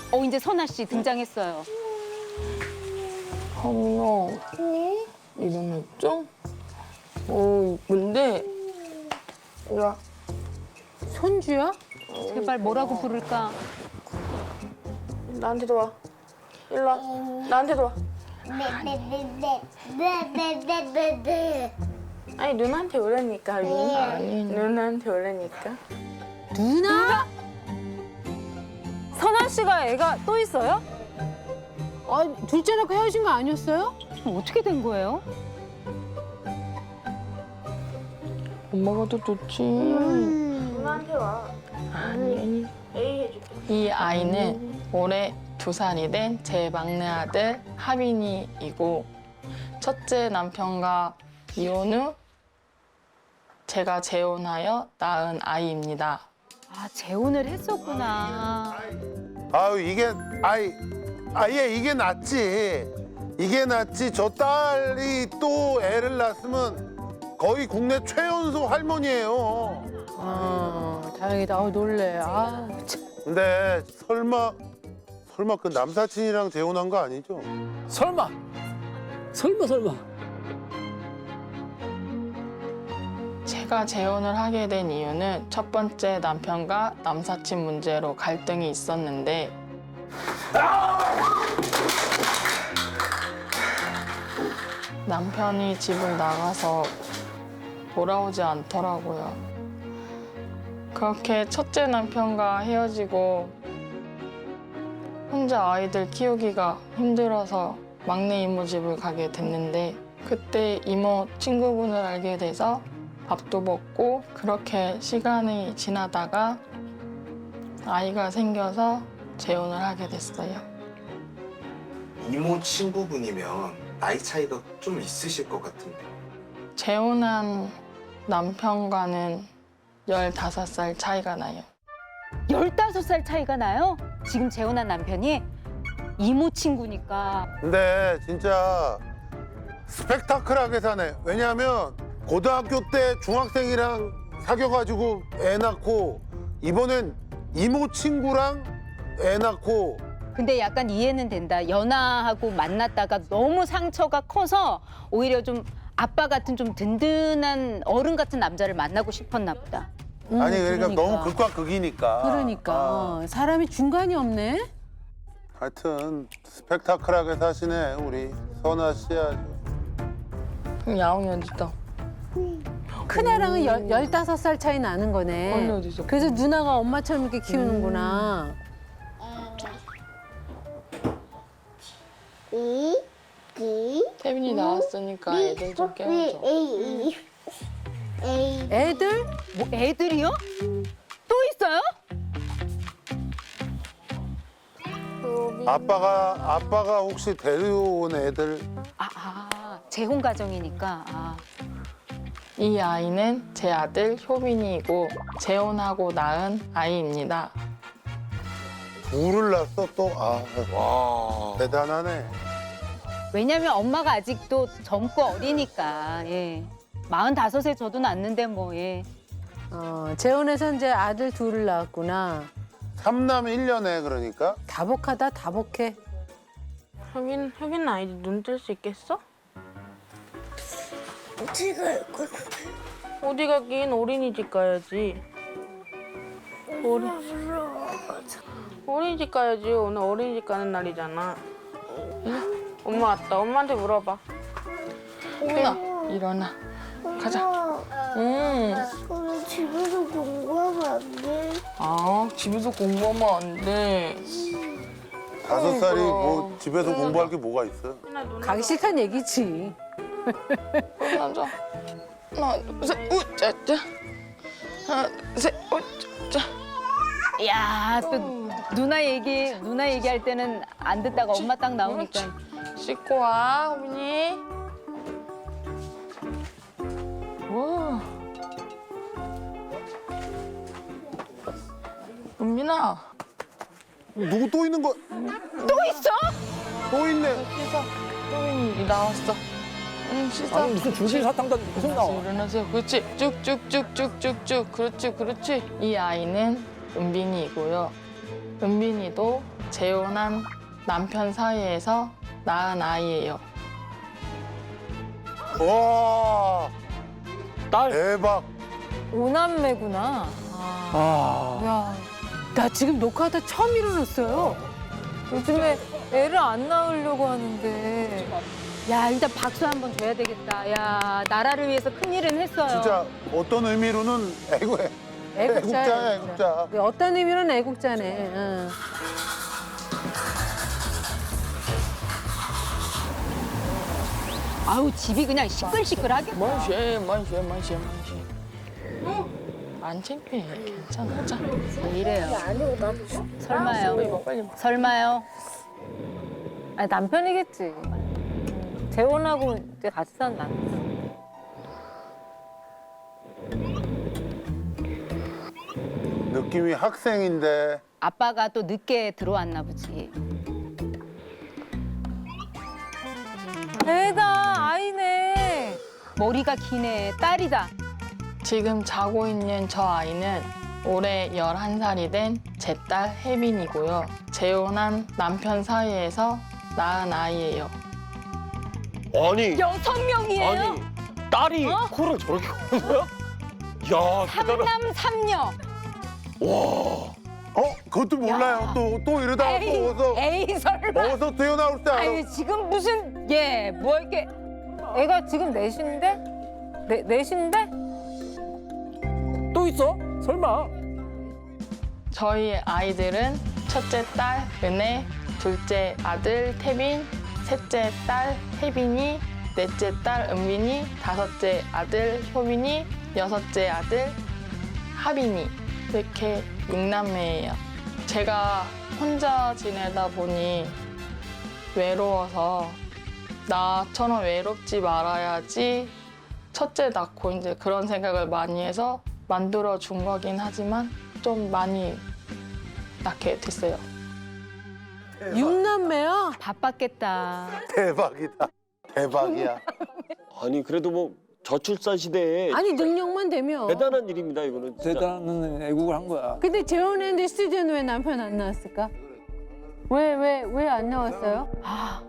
이제 선아 씨 등장했어요. 하민아, 네? 이름 했죠? 이쁜데? 야, 손주야? 제발 뭐라고 부를까? 나한테도 와. 일로 와. 나한테도 와. 네네네네네네네. 아니, 누나한테 오라니까, 하민이. 아니, 누나한테 오라니까. 누나? 선아 씨가 애가 또 있어요? 둘째 낳고 헤어진 거 아니었어요? 어떻게 된 거예요? 엄마가 더 좋지. 누나한테 와. 아니. A 해줄게. 이 아이는 올해 2살이 된 제 막내 아들 하빈이이고 첫째 남편과 이혼 후 제가 재혼하여 낳은 아이입니다. 아, 재혼을 했었구나. 아유 이게 아예 이게 낫지. 이게 낫지. 저 딸이 또 애를 낳았으면 거의 국내 최연소 할머니예요. 다행이다. 놀래. 참. 근데 설마 그 남사친이랑 재혼한 거 아니죠? 설마. 제가 재혼을 하게 된 이유는 첫 번째 남편과 남사친 문제로 갈등이 있었는데 남편이 집을 나가서 돌아오지 않더라고요. 그렇게 첫째 남편과 헤어지고 혼자 아이들 키우기가 힘들어서 막내 이모 집을 가게 됐는데 그때 이모 친구분을 알게 돼서 밥도 먹고 그렇게 시간이 지나다가 아이가 생겨서 재혼을 하게 됐어요. 이모 친구분이면 나이 차이가 좀 있으실 것 같은데. 재혼한 남편과는 15살 차이가 나요. 15살 차이가 나요? 지금 재혼한 남편이? 이모 친구니까. 근데 진짜 스펙타클하게 사네. 왜냐하면 고등학교 때 중학생이랑 사귀어가지고 애 낳고 이번엔 이모 친구랑 애 낳고. 근데 약간 이해는 된다. 연하하고 만났다가 너무 상처가 커서 오히려 좀 아빠 같은 좀 든든한 어른 같은 남자를 만나고 싶었나 보다. 아니 그러니까 너무 극과 극이니까. 그러니까 사람이 중간이 없네. 하여튼 스펙타클하게 사시네 우리 선아 씨 아주. 야옹이 어딨다. 큰애랑은 15살 차이 나는 거네. 언니 어디 있어? 그래서 누나가 엄마처럼 이렇게 키우는구나. 태빈이 나왔으니까 애들 좀 깨워줘. A. 애들? 뭐 애들이요? 또 있어요? 아빠가 혹시 데려온 애들. 재혼 가정이니까. 이 아이는 제 아들 효빈이이고 재혼하고 낳은 아이입니다. 둘을 낳았어 또. 와. 대단하네. 왜냐면 엄마가 아직도 젊고 어리니까. 예. 45에 저도 낳는데 뭐 예. 재혼해서 이제 아들 둘을 낳았구나. 삼남 1년에 그러니까. 다복하다, 다복해. 효빈 아이디 눈 뜰 수 있겠어? 어떻게 갈 거야? 어디 가긴 어린이집 가야지. 어린이집 가야지. 오늘 어린이집 가는 날이잖아. 엄마 왔다. 엄마한테 물어봐. 효빈아, 일어나. 가자. 우리 집에서 공부하면 안 돼? 집에서 공부하면 안 돼. 5살이 뭐 집에서 공부할 게 뭐가 있어. 가기 싫다는 얘기지. 앉아. 하나, 둘, 셋, 우짜짜. 하나, 둘, 셋, 우짜짜. 야, 또 누나 얘기할 때는 안 듣다가 엄마 딱 나오니까. 씻고 와, 효빈이. 와. 은민아. 누구 또 있는 거? 또 있어? 또 있네. 씻어. 효빈이 나왔어. 응, 씻어. 아니 무슨 중심 사탕도 계속 나와. 일어나세요. 그렇지. 쭉쭉쭉쭉쭉쭉. 그렇지, 그렇지. 이 아이는 은빈이이고요. 은빈이도 재혼한 남편 사이에서 낳은 아이예요. 와 딸. 대박. 오남매구나. 아. 야, 나 지금 녹화하다 처음 일어났어요. 요즘에 애를 안 낳으려고 하는데. 야 일단 박수 한번 줘야 되겠다. 야 나라를 위해서 큰 일은 했어요. 진짜 어떤 의미로는 애국자야 애국자. 어떤 의미로는 애국자네. 응. 아우 집이 그냥 시끌시끌하게. 만시해. 안 창피해. 괜찮아. 자, 왜 이래요? 아니고 나도 설마요? 이거 빨리 먹어. 설마요? 아니, 남편이겠지. 재혼하고 이제 같이 산 남편. 느낌이 학생인데 아빠가 또 늦게 들어왔나 보지. 애다, 아이네. 머리가 기네. 딸이다. 지금 자고 있는 저 아이는 올해 11살이 된 제 딸 혜빈이고요. 재혼한 남편 사이에서 낳은 아이예요. 아니. 6명이에요? 아니. 딸이 코를 저렇게 고는 거야? 야, 대단하다. 삼남 삼녀. 와. 그것도 몰라요. 또 이러다가 또 어서 에이 설마. 어서 뛰어나올 때 알아. 아유 지금 무슨 뭐 이렇게 애가 지금 넷인데? 넷인데? 또 있어? 설마. 저희 아이들은 첫째 딸 은혜, 둘째 아들 태빈, 셋째 딸 혜빈이, 넷째 딸 은빈이, 다섯째 아들 효빈이, 여섯째 아들 하빈이. 이렇게 6남매예요. 제가 혼자 지내다 보니 외로워서 나처럼 외롭지 말아야지 첫째 낳고 이제 그런 생각을 많이 해서 만들어 준 거긴 하지만 좀 많이 낳게 됐어요. 6남매야? 바빴겠다. 대박이다. 대박이야. 아니, 그래도 뭐 저출산 시대에 아니, 능력만 되면. 대단한 일입니다, 이거는. 진짜. 대단한 애국을 한 거야. 근데 재혼했는데 스튜디오는 왜 남편 안 나왔을까? 왜 안 나왔어요? 아